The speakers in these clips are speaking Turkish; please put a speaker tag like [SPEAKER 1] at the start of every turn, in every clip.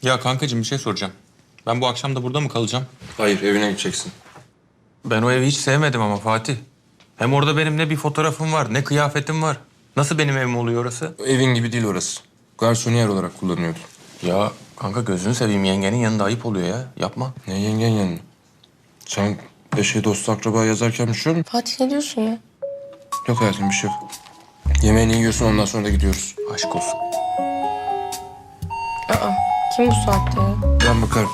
[SPEAKER 1] Ya kankacığım bir şey soracağım. Ben bu akşam da burada mı kalacağım?
[SPEAKER 2] Hayır, evine gideceksin.
[SPEAKER 1] Ben o evi hiç sevmedim ama Fatih. Hem orada benim ne bir fotoğrafım var, ne kıyafetim var. Nasıl benim evim oluyor orası?
[SPEAKER 2] Evin gibi değil orası. Garsoniyer olarak kullanıyordu.
[SPEAKER 1] Ya kanka gözünü seveyim, yengenin yanında ayıp oluyor ya. Yapma.
[SPEAKER 2] Ne yengen yanına? Sen eşe dost akraba yazarken bir şey yok mu?
[SPEAKER 3] Fatih ne diyorsun ya?
[SPEAKER 2] Yok hayatım, bir şey yok. Yemeğini yiyorsun, ondan sonra da gidiyoruz.
[SPEAKER 1] Aşk olsun.
[SPEAKER 3] Aa, kim bu saatte ya?
[SPEAKER 2] Ben bakarım.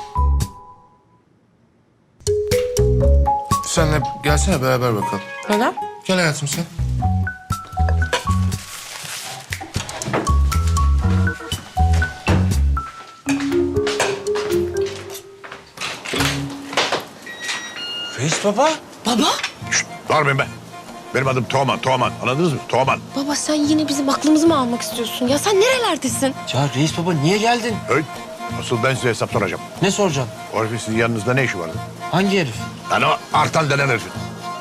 [SPEAKER 2] Senle gelsene, beraber bakalım.
[SPEAKER 3] Neden?
[SPEAKER 2] Gel hayatım sen.
[SPEAKER 1] Reis baba.
[SPEAKER 3] Baba?
[SPEAKER 4] Bağırmayın be. Benim adım Teoman, Teoman. Anladınız mı? Teoman.
[SPEAKER 3] Baba sen yine bizim aklımızı mı almak istiyorsun? Ya sen nerelerdesin?
[SPEAKER 5] Ya reis baba niye geldin?
[SPEAKER 4] Hey, asıl ben size hesap soracağım.
[SPEAKER 5] Ne soracaksın?
[SPEAKER 4] O herifin sizin yanınızda ne işi vardı?
[SPEAKER 5] Hangi herif?
[SPEAKER 4] Yani o Artan denen herifin.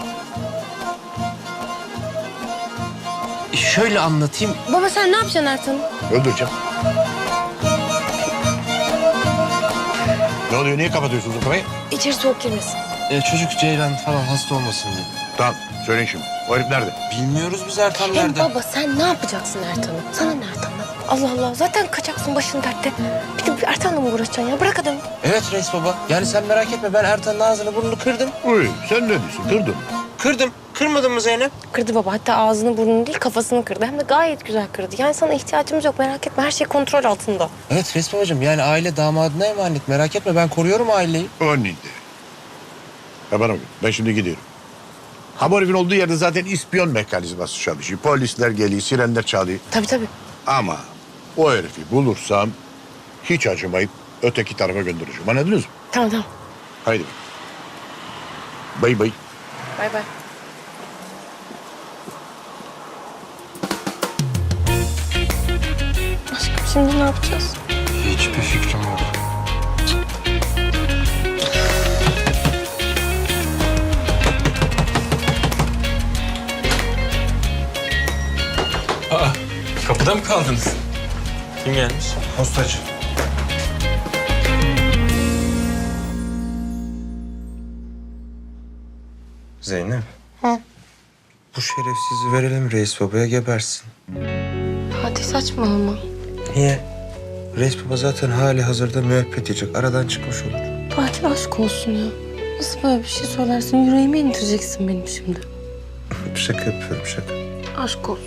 [SPEAKER 5] Şöyle anlatayım.
[SPEAKER 3] Baba sen ne yapacaksın Ertan'ı?
[SPEAKER 4] Öldüreceğim. Ne oluyor? Niye kapatıyorsunuz o kafayı?
[SPEAKER 3] İçeri soğuk girmesin.
[SPEAKER 5] Çocuk Ceylan falan hasta olmasın diye.
[SPEAKER 4] Tamam, söyleyin şimdi. O herif nerede?
[SPEAKER 5] Bilmiyoruz biz Ertan
[SPEAKER 3] Hem
[SPEAKER 5] nerede?
[SPEAKER 3] baba sen ne yapacaksın Ertan'ı? Sana ne Ertan'dan? Allah Allah zaten kaçaksın başın dertte. Bir de Ertan'la mı uğraşacaksın ya? Bırak adamı.
[SPEAKER 5] Evet reis baba. Yani sen merak etme, ben Ertan'ın ağzını burnunu kırdım.
[SPEAKER 4] Uy, sen ne diyorsun? Kırdın.
[SPEAKER 5] Kırdım. Kırmadın mı Zeynep?
[SPEAKER 3] Kırdı baba. Hatta ağzını burnunu değil kafasını kırdı. Hem de gayet güzel kırdı. Yani sana ihtiyacımız yok merak etme. Her şey kontrol altında.
[SPEAKER 5] Evet reis babacığım, yani aile damadına emanet. Merak etme, ben koruyorum aileyi.
[SPEAKER 4] O neydi? Ha bana bak, ben şimdi gidiyorum. Ha bu herifin olduğu yerde zaten ispiyon mekanizması çalışıyor. Polisler geliyor, sirenler çalıyor.
[SPEAKER 3] Tabii.
[SPEAKER 4] Ama o herifi bulursam hiç acımayıp öteki tarafa göndereceğim. Anladınız mı?
[SPEAKER 3] Tamam.
[SPEAKER 4] Haydi. Bay bay.
[SPEAKER 3] Bay bay. Aşkım şimdi ne yapacağız?
[SPEAKER 2] Hiçbir fikrim yok.
[SPEAKER 1] Kapıda mı kaldınız? Kim gelmiş?
[SPEAKER 2] Postacı. Zeynep.
[SPEAKER 3] Hı?
[SPEAKER 2] Bu şerefsizi verelim reis babaya, gebersin.
[SPEAKER 3] Fatih saçmalama.
[SPEAKER 2] Niye? Reis baba zaten hali hazırda müebbet yiyecek. Aradan çıkmış olur.
[SPEAKER 3] Fatih aşk olsun ya. Nasıl böyle bir şey söylersin? Yüreğime indireceksin benim şimdi.
[SPEAKER 2] Şaka yapıyorum, şaka.
[SPEAKER 3] Aşk olsun.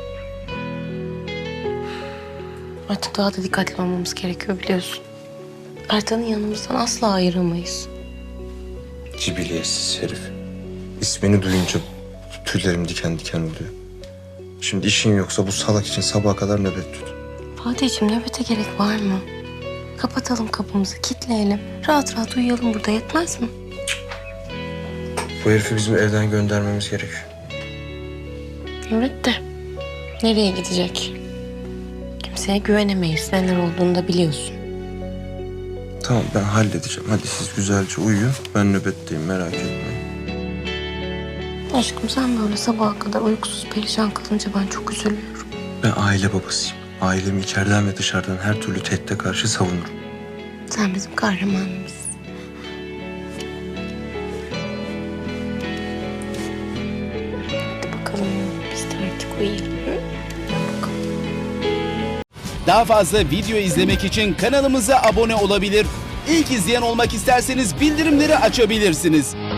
[SPEAKER 3] Artık daha da dikkatli olmamız gerekiyor biliyorsun. Ertan'ı yanımızdan asla ayıramayız.
[SPEAKER 2] Cibiliyetsiz herif. İsmini duyunca tüylerim diken diken oluyor. Şimdi işin yoksa bu salak için sabaha kadar nöbet tut.
[SPEAKER 3] Fatih'ciğim nöbete gerek var mı? Kapatalım kapımızı, kilitleyelim. Rahat rahat uyuyalım burada, yetmez mi?
[SPEAKER 2] Bu herifi bizim evden göndermemiz gerekiyor.
[SPEAKER 3] Evet de nereye gidecek? Kimseye güvenemeyiz. Neler olduğunu da biliyorsun.
[SPEAKER 2] Tamam, ben halledeceğim. Hadi siz güzelce uyuyun. Ben nöbetteyim, merak etmeyin.
[SPEAKER 3] Aşkım sen böyle sabaha kadar uykusuz perişan kalınca ben çok üzülüyorum.
[SPEAKER 2] Ben aile babasıyım. Ailemi içeriden ve dışarıdan her türlü tehdide karşı savunurum.
[SPEAKER 3] Sen bizim kahramanımızsın. Hadi bakalım biz de artık uyuyalım. Hı?
[SPEAKER 6] Daha fazla video izlemek için kanalımıza abone olabilir. İlk izleyen olmak isterseniz bildirimleri açabilirsiniz.